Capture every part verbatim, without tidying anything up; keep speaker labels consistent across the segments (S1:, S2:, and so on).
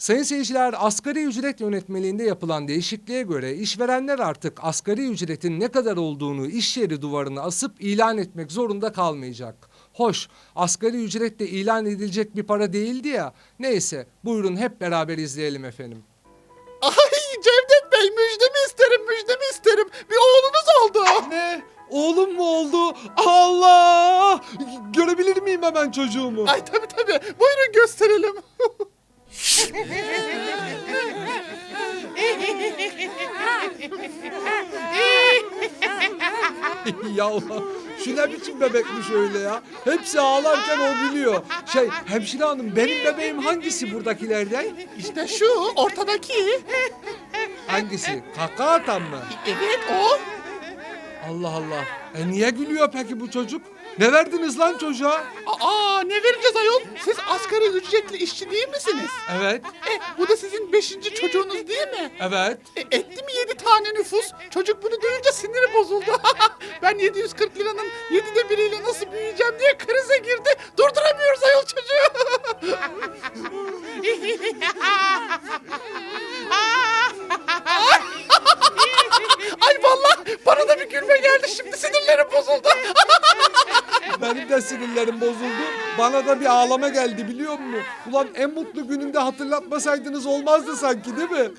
S1: Sayın seyirciler, asgari ücret yönetmeliğinde yapılan değişikliğe göre işverenler artık asgari ücretin ne kadar olduğunu iş yeri duvarına asıp ilan etmek zorunda kalmayacak. Hoş, asgari ücret de ilan edilecek bir para değildi ya. Neyse, buyurun hep beraber izleyelim efendim.
S2: Ay Cevdet Bey, müjdemi isterim, müjdemi isterim. Bir oğlunuz oldu.
S1: Ne? Oğlum mu oldu? Allah! Görebilir miyim hemen çocuğumu?
S2: Ay tabii tabii. Buyurun gösterelim.
S1: Ya Allah, şu ne biçim bebekmiş öyle ya? Hepsi ağlarken o gülüyor. Şey, hemşire hanım, benim bebeğim hangisi buradakilerden?
S2: İşte şu ortadaki.
S1: Hangisi? Kaka atan mı?
S2: Evet o.
S1: Allah Allah. E niye gülüyor peki bu çocuk? Ne verdiniz lan çocuğa?
S2: Aa ne vereceğiz ayol? Siz asgari ücretli işçi değil misiniz?
S1: Evet,
S2: E, bu da sizin beşinci çocuğunuz değil mi?
S1: evet.
S2: E, etti mi yedi tane nüfus? Çocuk bunu duyunca siniri bozuldu. Ben yedi yüz kırk liranın yedide biriyle nasıl büyüyeceğim diye krize girdi. Durduramıyoruz ayol çocuğu. Ay vallahi bana da bir gülme geldi, şimdi sinirlerim bozuldu.
S1: Benim de sinirlerim bozuldu. Bana da bir ağlama geldi biliyor musun? Ulan en mutlu gününde hatırlatmasaydınız olmazdı sanki değil mi?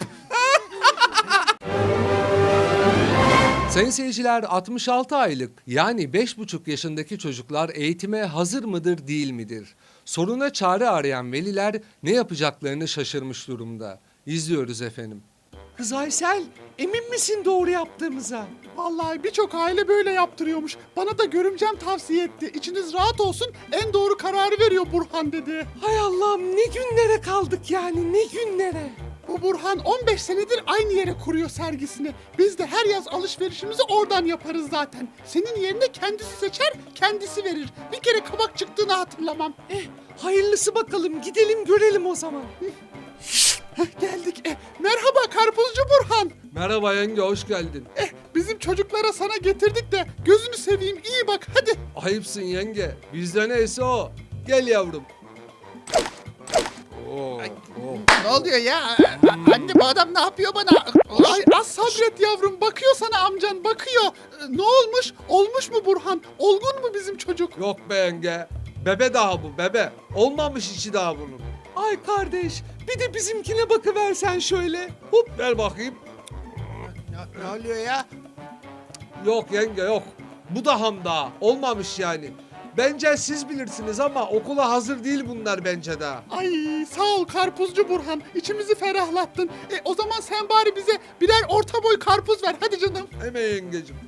S1: Sayın seyirciler, altmış altı aylık yani beş buçuk yaşındaki çocuklar eğitime hazır mıdır değil midir? Soruna çare arayan veliler ne yapacaklarını şaşırmış durumda. İzliyoruz efendim. Kız Aysel, emin misin doğru yaptığımıza?
S2: Vallahi birçok aile böyle yaptırıyormuş. Bana da görümcem tavsiye etti. İçiniz rahat olsun, en doğru kararı veriyor Burhan dedi.
S1: Hay Allah'ım, ne günlere kaldık yani, ne günlere.
S2: Bu Burhan on beş senedir aynı yere kuruyor sergisini. Biz de her yaz alışverişimizi oradan yaparız zaten. Senin yerine kendisi seçer, kendisi verir. Bir kere kabak çıktığını hatırlamam.
S1: Eh, hayırlısı bakalım, gidelim görelim o zaman.
S2: Heh, geldik. Eh, merhaba Karpuzcu Burhan.
S1: Merhaba yenge, hoş geldin.
S2: Eh, bizim çocuklara sana getirdik de gözünü seveyim, iyi bak hadi.
S1: Ayıpsın yenge, bizde neyse o. Gel yavrum. Oo, oo.
S2: Ne oluyor ya? Anne bu adam ne yapıyor bana? Ay az sabret yavrum, bakıyor sana amcan, bakıyor. Ee, Ne olmuş? Olmuş mu Burhan? Olgun mu bizim çocuk?
S1: Yok be yenge, bebe daha bu, bebe. Olmamış içi daha bunun. Ay kardeş, bir de bizimkine bakıversen şöyle. Hop, ver bakayım.
S2: Ne, ne oluyor ya?
S1: Yok yenge yok. Bu da ham daha. Olmamış yani. Bence siz bilirsiniz ama okula hazır değil bunlar bence daha.
S2: Ay sağ ol Karpuzcu Burhan, içimizi ferahlattın. E, o zaman sen bari bize birer orta boy karpuz ver hadi canım.
S1: Hemen yengecim.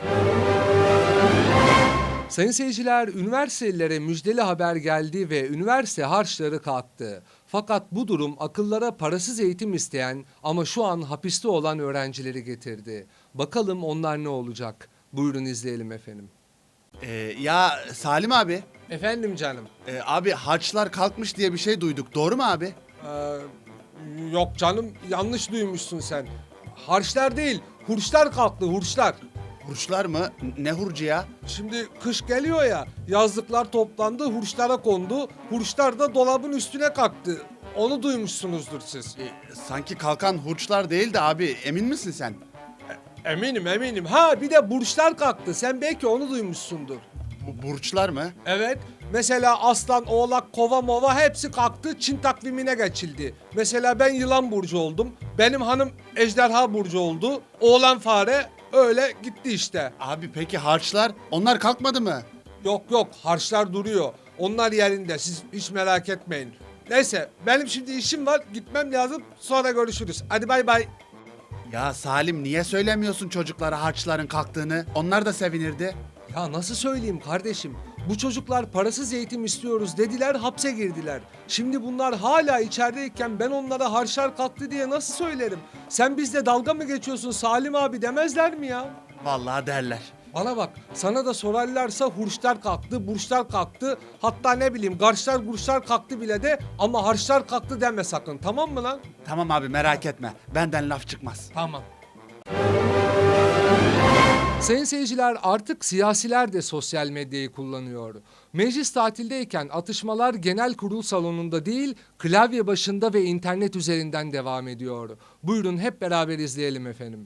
S1: Sayın seyirciler, üniversitelilere müjdeli haber geldi ve üniversite harçları kalktı. Fakat bu durum akıllara parasız eğitim isteyen ama şu an hapiste olan öğrencileri getirdi. Bakalım onlar ne olacak? Buyurun izleyelim efendim.
S3: Ee, ya Salim abi,
S1: Efendim canım.
S3: e, abi harçlar kalkmış diye bir şey duyduk. Doğru mu abi?
S1: Ee, yok canım, yanlış duymuşsun sen. Harçlar değil, hurçlar kalktı, hurçlar.
S3: Hurçlar mı? N- Ne hurcu ya?
S1: Şimdi kış geliyor ya, yazlıklar toplandı, hurçlara kondu. Hurçlar da dolabın üstüne kalktı. Onu duymuşsunuzdur siz.
S3: E, sanki kalkan hurçlar değil de abi, emin misin sen?
S1: Eminim eminim. Ha bir de burçlar kalktı. Sen belki onu duymuşsundur.
S3: Bu burçlar mı?
S1: Evet. Mesela aslan, oğlak, kova, mova hepsi kalktı. Çin takvimine geçildi. Mesela ben yılan burcu oldum. Benim hanım ejderha burcu oldu. Oğlan fare öyle gitti işte.
S3: Abi peki harçlar, onlar kalkmadı mı?
S1: Yok yok, harçlar duruyor. Onlar yerinde. Siz hiç merak etmeyin. Neyse, benim şimdi işim var. Gitmem lazım. Sonra görüşürüz. Hadi bay bay.
S3: Ya Salim, niye söylemiyorsun çocuklara harçların kalktığını? Onlar da sevinirdi.
S1: Ya nasıl söyleyeyim kardeşim? Bu çocuklar parasız eğitim istiyoruz dediler, hapse girdiler. Şimdi bunlar hala içerideyken ben onlara harçlar kalktı diye nasıl söylerim? Sen bizle dalga mı geçiyorsun Salim abi demezler mi ya?
S3: Vallahi derler.
S1: Bana bak, sana da sorarlarsa hurçlar kalktı, burçlar kalktı, hatta ne bileyim garçlar gurçlar kalktı bile de ama harçlar kalktı deme sakın, tamam mı lan?
S3: Tamam abi, merak etme. Benden laf çıkmaz.
S1: Tamam. Sayın seyirciler, artık siyasiler de sosyal medyayı kullanıyor. Meclis tatildeyken atışmalar genel kurul salonunda değil, klavye başında ve internet üzerinden devam ediyor. Buyurun hep beraber izleyelim efendim.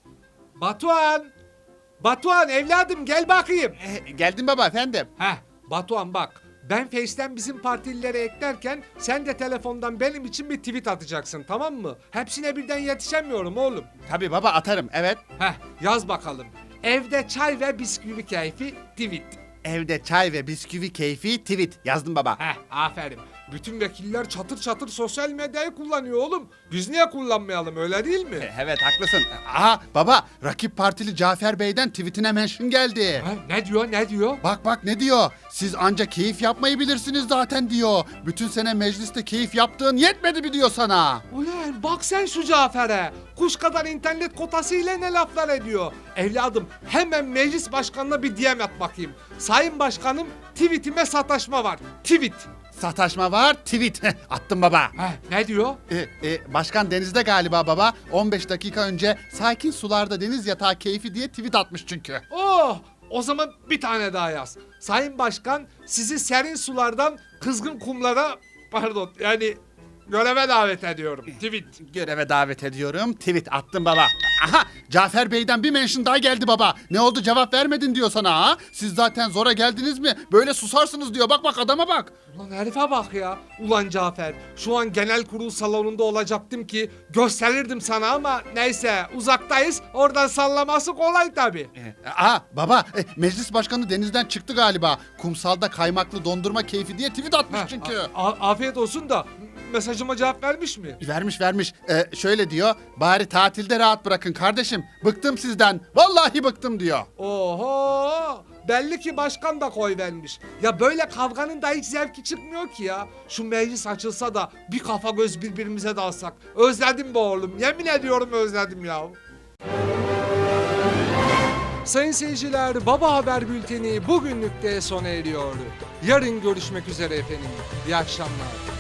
S1: Batuhan! Batuhan evladım gel bakayım.
S3: Eh, geldim baba efendim.
S1: Heh, Batuhan bak. Ben Face'ten bizim partililere eklerken sen de telefondan benim için bir tweet atacaksın, tamam mı? Hepsine birden yetişemiyorum oğlum.
S3: Tabii baba atarım, evet.
S1: Heh, yaz bakalım. Evde çay ve bisküvi keyfi tweet.
S3: Evde çay ve bisküvi keyfi tweet. Yazdım baba.
S1: Heh, aferin. Bütün vekiller çatır çatır sosyal medyayı kullanıyor oğlum. Biz niye kullanmayalım, öyle değil mi?
S3: Eh, Evet haklısın. Aha baba, rakip partili Cafer Bey'den tweetine mention geldi.
S1: Ha, ne diyor ne diyor?
S3: Bak bak ne diyor? Siz ancak keyif yapmayı bilirsiniz zaten diyor. Bütün sene mecliste keyif yaptığın yetmedi mi diyor sana?
S1: Ulan bak sen şu Cafer'e. Kuş kadar internet kotasıyla ne laflar ediyor. Evladım hemen meclis başkanına bir D M at bakayım. Sayın başkanım, tweetime sataşma var. Tweet.
S3: Sataşma var, tweet. Attım baba.
S1: Heh, ne diyor?
S3: E, e, başkan denizde galiba baba. on beş dakika önce sakin sularda deniz yatağı keyfi diye tweet atmış çünkü.
S1: Oh! O zaman bir tane daha yaz. Sayın Başkan, sizi serin sulardan kızgın kumlara, pardon yani göreve davet ediyorum. Tweet.
S3: Göreve davet ediyorum. Tweet attım baba. Aha, Cafer Bey'den bir mention daha geldi baba. Ne oldu, cevap vermedin diyor sana ha? Siz zaten zora geldiniz mi? Böyle susarsınız diyor. Bak bak adama bak.
S1: Ulan herife bak ya. Ulan Cafer, şu an genel kurul salonunda olacaktım ki gösterirdim sana ama neyse uzaktayız. Oradan sallaması kolay tabii.
S3: E, Aa baba, e, meclis başkanı denizden çıktı galiba. Kumsalda kaymaklı dondurma keyfi diye tweet atmış
S1: Heh,
S3: çünkü.
S1: a- a- afiyet olsun da mesajıma cevap vermiş mi?
S3: Vermiş vermiş. Ee, şöyle diyor. Bari tatilde rahat bırakın kardeşim. Bıktım sizden. Vallahi bıktım diyor.
S1: Oho! Belli ki başkan da koy vermiş. Ya böyle kavganın da hiç zevki çıkmıyor ki ya. Şu meclis açılsa da bir kafa göz birbirimize dalsak. Özledim be oğlum. Yemin ediyorum özledim ya. Sayın seyirciler, Baba Haber Bülteni bugünlük de sona eriyor. Yarın görüşmek üzere efendim. İyi akşamlar.